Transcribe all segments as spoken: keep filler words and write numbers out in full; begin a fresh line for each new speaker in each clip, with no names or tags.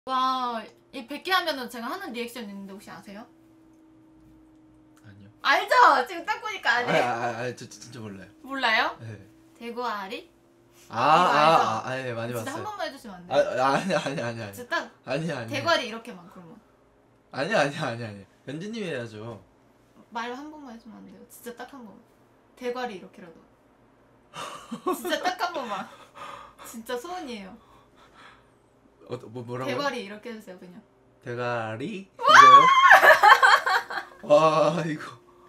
와, 이 백 개 하면은 제가 하는 리액션 있는데 혹시 아세요?
아니요.
알죠? 지금 딱 보니까 아니.
아, 아, 아, 저 진짜 몰라요.
몰라요?
네.
대구아리?
아, 아,
알죠?
아, 아, 예, 많이
진짜
봤어요.
한 번만 해주시면 안
아,
돼요?
아, 아니, 아니, 아니, 아니.
진짜 딱
아니, 아니.
대구아리 이렇게만 그러면
아니, 아니, 아니, 아니. 연진님이 해야죠.
말 한 번만 해주면 안 돼요? 진짜 딱 한 번만. 대구아리 이렇게라도. 진짜 딱 한 번만. 진짜 소원이에요.
어, 뭐 뭐라고?
대구아리 이렇게 해주세요 그냥.
대가리? 이거요? 와, 이거.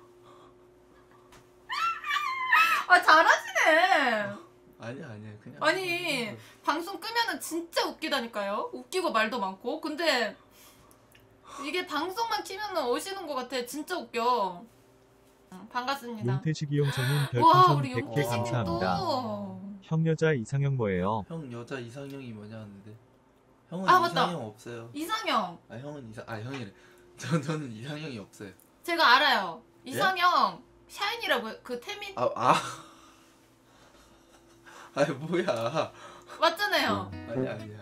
아 잘하시네.
아니, 아니, 그냥.
아니 방송 끄면은 진짜 웃기다니까요. 웃기고 말도 많고. 근데 이게 방송만 키면은 오시는 것 같아. 진짜 웃겨. 응, 반갑습니다.
용태식이 형성님
와
별풍선
우리
백 개
용태식님
감사합니다.
또.
형 여자 이상형 뭐예요?
형 여자 이상형이 뭐냐 하는데. 형은
아, 맞다.
이상형 없어요.
이상형.
아, 형은 이상 아, 형이래. 저 저는 이상형이 없어요.
제가 알아요. 이상형 샤이니라고 그 태민
아, 아. 아, 뭐야.
맞잖아요.
아니, 아니야.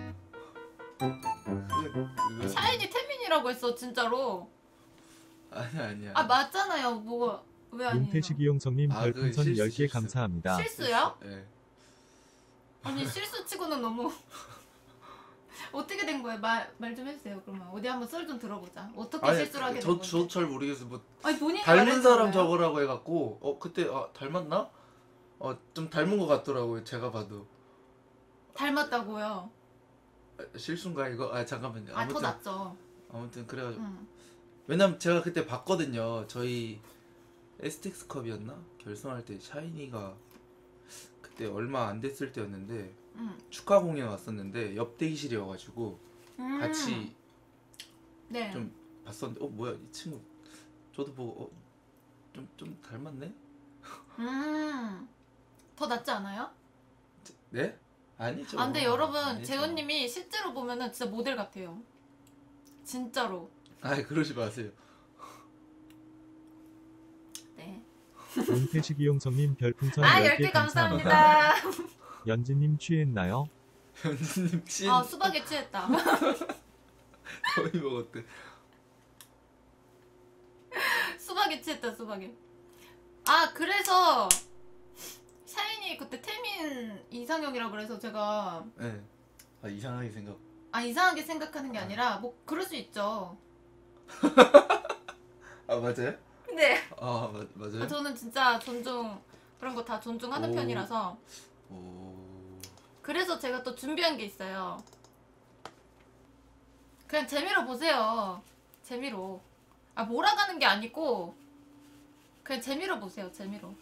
그거, 그거.
샤이니 태민이라고 했어 진짜로.
아니, 아니야.
아 맞잖아요. 뭐가 왜 아니에요?
용태식이 형성님
아, 그
별풍선
실수,
열 개
실수.
감사합니다.
실수요?
예.
아니 실수치고는 너무 어떻게 된 거야? 말 말 좀 해주세요. 그러면 어디 한번 썰 좀 들어보자. 어떻게
아니,
실수를 하게 된
저,
건지.
저 잘 모르겠어. 뭐
아니 본인이
닮은
말해주는
사람
거예요.
적으라고 해갖고 어 그때 아 닮았나? 어 좀 닮은 것 같더라고요. 제가 봐도.
닮았다고요.
아, 실수인가 이거? 아 잠깐만요.
아 더
아무튼
낫죠.
아무튼 그래가지고
응.
왜냐면 제가 그때 봤거든요. 저희 에스텍스컵이었나? 결승할 때 샤이니가 그때 얼마 안 됐을 때였는데
응.
축하 공연 왔었는데 옆 대기실이어가지고
음.
같이
네.
좀 봤었는데 어 뭐야 이 친구 저도 보고 어, 좀, 좀 닮았네?
음. 더 낫지 않아요?
네? 아니죠.
아, 근데 여러분
아니죠.
재훈님이 실제로 보면은 진짜 모델 같아요. 진짜로.
아 그러지 마세요.
네.
용태식이 형성님 별풍선
아
열
열
개
개
감사합니다.
감사합니다.
연진님 취했나요?
현진님 친
아 수박에 취했다.
거의 먹었대.
수박에 취했다 수박에. 아 그래서 샤이니 그때 태민 이상형이라 그래서 제가
네. 아 이상하게 생각.
아 이상하게 생각하는 게 아니라 뭐 그럴 수 있죠.
아 맞아요?
네.
아 마, 맞아요?
아, 저는 진짜 존중 그런 거 다 존중하는
오.
편이라서
오.
그래서 제가 또 준비한 게 있어요. 그냥 재미로 보세요. 재미로. 아 몰아가는 게 아니고 그냥 재미로 보세요. 재미로.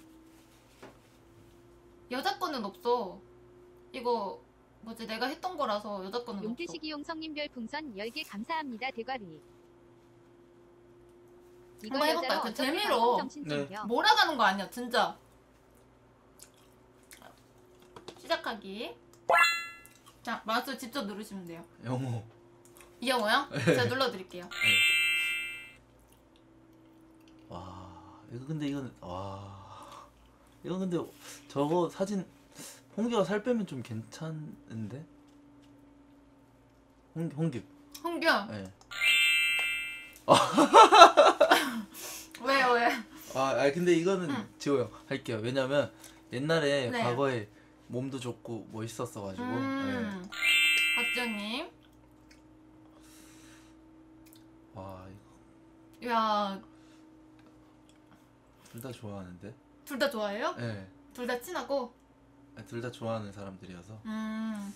여자 거는 없어. 이거 뭐지 내가 했던 거라서 여자 거는 없어.
용태식이 용성님 별풍선 열 개 감사합니다. 대가리. 이거
한번 해볼까요?
여자로
그
어떻게
재미로.
방송 정신
네.
챙겨.
몰아가는 거 아니야 진짜. 시작하기. 자 마우스 직접 누르시면 돼요.
영호.
이영호요? 제가 눌러드릴게요.
와 이거 근데 이건 와 이거 근데 저거 사진 홍규가 살 빼면 좀 괜찮은데? 홍 홍규.
홍규.
네.
왜요 왜?
아, 아 근데 이거는
응.
지호 형 할게요. 왜냐면 옛날에
네.
과거에 몸도 좋고 멋있었어가지고.
음.
네.
박지현님.
와 이거
야,
둘 다 좋아하는데.
둘 다 좋아해요?
네.
둘 다 친하고?
둘 다 좋아하는 사람들이어서.
음.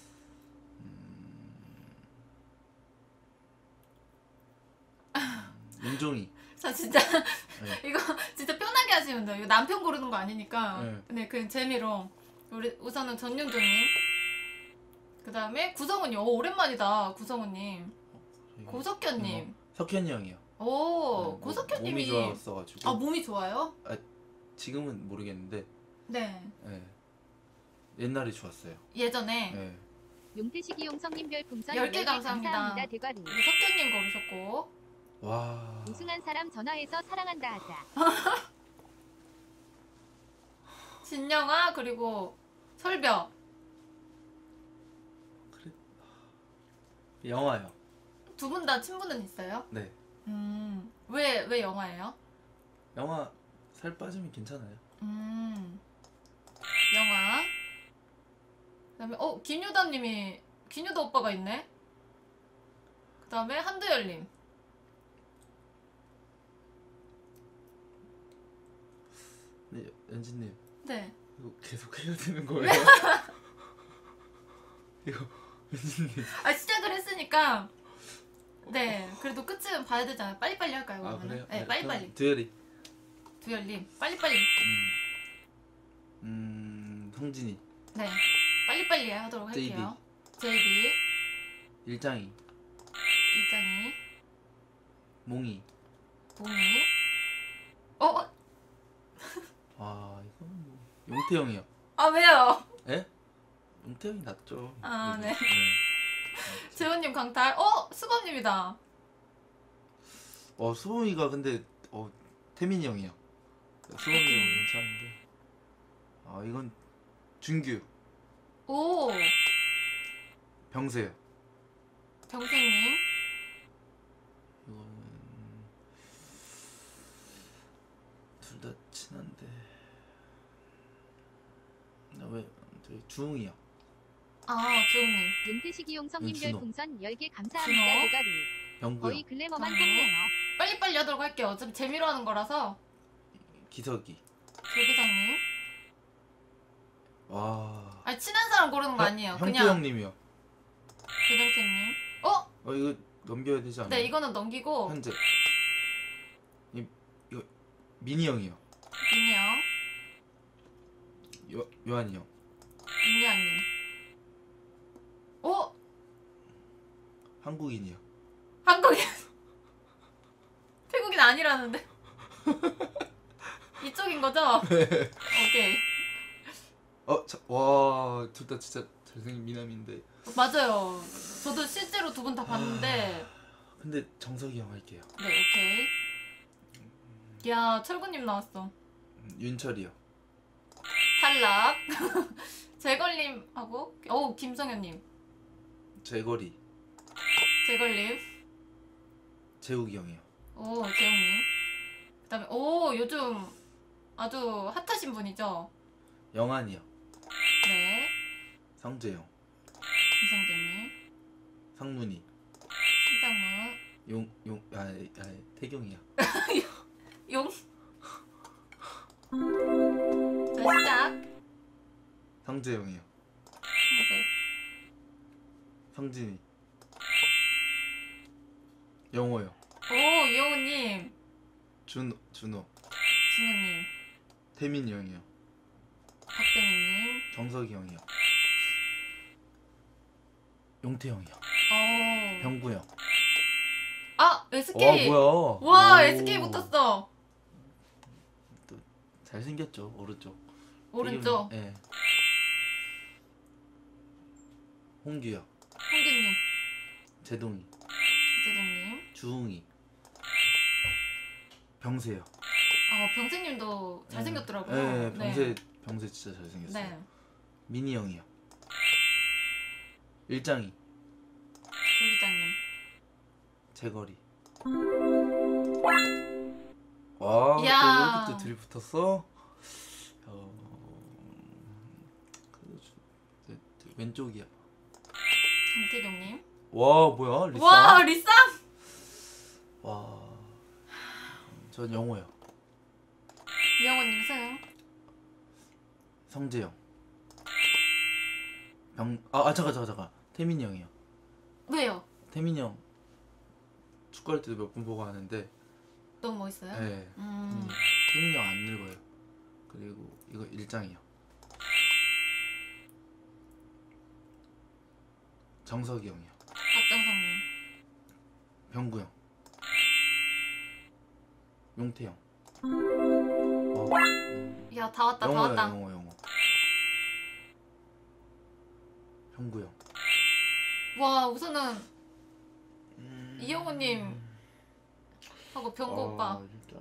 윤종이.
저 진짜
네.
이거 진짜 편하게 하시면 돼요. 이거 남편 고르는 거 아니니까.
네.
네, 그 재미로 우리 우선은 전윤종님. 그 다음에 구성훈님. 오 오랜만이다. 구성훈님.
이거-
고석현님.
이거 석현이 형이요.
오
네, 뭐-
고석현님이.
몸이 좋았어가지고.
아 몸이 좋아요?
지금은 모르겠는데.
네.
네. 옛날에 좋았어요.
예전에
네.
용태식이 용성님 별풍선
열 개
열 개
감사합니다.
감사합니다. 대가리.
우리 석현님 고르셨고.
와.
우승한 사람 전화해서 사랑한다 하자.
진영아 그리고 설벽.
그래. 영화요.
두 분 다 친분은 있어요?
네.
음. 왜, 왜 영화예요?
영화 살 빠지면 괜찮아요.
음. 영화. 그다음에 어 김유다님이 김유다 오빠가 있네. 그다음에 한두열님.
네, 연진님
네.
이거 계속 해야 되는 거예요? 이거 연진님.
아 시작을 했으니까. 네. 그래도 끝은 봐야 되잖아요. 빨리빨리 할까요?
아
그러면은?
그래요?
네, 빨리빨리.
두열이.
두열님, 빨리빨리.
음. 음 성진이.
네. 빨리빨리 하도록
제이디.
할게요. 제이디,
일장이.
이장이,
몽이.
몽이. 어? 어?
아 이거는 뭐 용태형이요.
아 왜요?
예? 용태형이 낫죠.
아,
그래도.
네. 재원님 강탈. 어? 수범님이다.
어 수범이가 근데 어 태민이 형이요. 수범이 형 괜찮은데. 아 이건 준규.
오.
병세요.
병생님.
이거는 둘 다 친한데. 나왜 저기 주웅이요.
아 주웅님.
용태식이 용성님
음, 준호.
별풍선 열 개 감사합니다.
준호.
대가리.
병구요.
거의 글래머만
준호.
뽑네요.
빨리빨리 하도록 할게요. 어차피 재미로 하는 거라서.
기석이.
조기장님.
와.
아니 친한 사람 고르는 거 아니에요.
형태
그냥
형님이요.
조정태님. 어?
어 이거 넘겨야 되지 않나요?
네 이거는 넘기고
현재. 이 이거 민이 형이요.
민이 형,
요 요한이 형.
민이아님. 어?
한국인이요.
한국인. 태국인 아니라는데. 이쪽인 거죠? 오케이.
어와 둘 다 진짜 잘생긴 미남인데.
맞아요. 저도 실제로 두 분 다 봤는데.
근데 정석이 형 할게요.
네, 오케이. 야, 철구님 나왔어.
음, 윤철이요.
탈락. 재걸님하고, 어우, 김성현님.
재거리.
재걸님.
재욱이 형이요.
오, 재웅님. 그 다음에, 오, 요즘 아주 핫하신 분이죠?
영환이요.
네.
성재형.
김성재님.
상문이.
신상문.
용 용 아, 아 태경이야.
용. 자, 시작.
성재형이요.
성재.
성진이. 영호요.
오, 이영우님.
준 준호.
진우님.
태민이 형이요.
박대민님.
정석이 형이요. 용태 형이요.
오.
병구 형.
아, 에스케이.
와 뭐야?
와,
오.
에스케이 붙었어.
잘생겼죠 오른쪽.
오른쪽.
예. 네. 홍규요.
홍규님.
제동이.
이재동님.
주웅이. 병세요.
아, 병세님도 잘생겼더라고요.
네, 병세 병세 진짜 잘생겼어요.
네.
민희 형이요. 일장이.
조기장님.
재거리. 와, 또
이야.
이렇게 또 둘이 붙었어? 어, 그, 네, 네, 왼쪽이야.
김태경님.
와, 뭐야? 리쌍?
와, 리쌍!
와, 전 영호요.
이영호님 승.
성재형. 병, 아, 아 잠깐, 잠깐, 잠깐. 태민이 형이요.
왜요?
태민이 형 축구할 때도 몇 번 보고 하는데,
너무 멋있어요?
네.
음.
태민이 형 안 늙어요. 그리고 이거 일장이요. 정석이 형이요.
박정성님.
병구 형. 용태 형. 어, 음,
야, 다 왔다, 다
영호요,
왔다.
영호, 영호. 병구 형.
와, 우선은
음,
이영호님 하고 병구
아,
오빠.
일단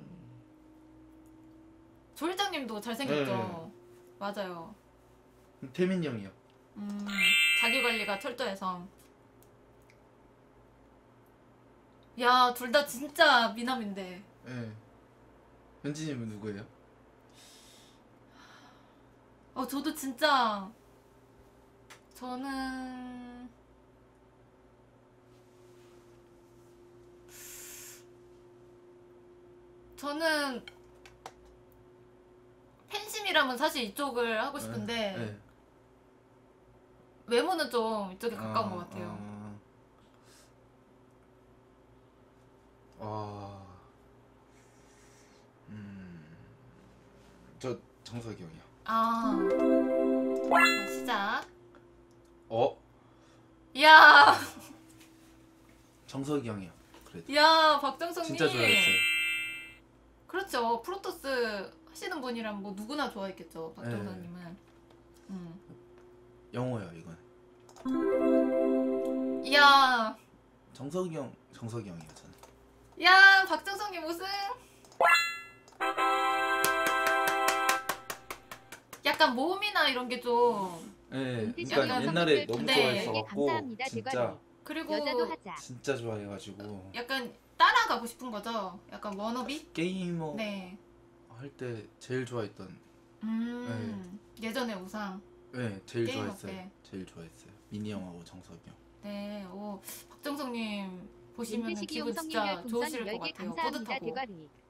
조일장님도 잘생겼죠?
네.
맞아요.
태민이 형이요.
음, 자기관리가 철저해서. 야, 둘 다 진짜 미남인데.
예. 현진님은 누구예요?
어, 저도 진짜 저는 저는 팬심이라면 사실 이쪽을 하고 싶은데
예.
외모는 좀 이쪽에 가까운
아,
것 같아요.
아. 아. 음. 저 정석이 형이요.
아, 자, 시작.
어?
이야,
정석이 형이요. 그래도
이야, 박정석님.
진짜 좋아했어요.
그렇죠. 프로토스 하시는 분이라면 뭐 누구나 좋아했겠죠. 박정석님은. 음.
영호요 이건.
이야,
정석이 형, 정석이 형이요 저는.
야, 박정석님 우승. 약간 모음이나 이런 게 좀
예.
은퇴식
그러니까
이용
옛날에
선생님들
너무
네.
좋아했어갖고
감사합니다,
진짜
대관이.
그리고
여자도 하자.
진짜 좋아해가지고
약간 따라가고 싶은 거죠. 약간 워너비?
게이머
네.
할 때 제일 좋아했던.
음. 예전의 우상.
네, 제일
게이머
좋아했어요.
때.
제일 좋아했어요. 미니 형하고 정석이 형.
네. 오, 박정석님 보시면
은퇴식
기분
이용성님
진짜
별풍선
좋으실 것
열 개
같아요.
감사합니다,
뿌듯하고.
대관이.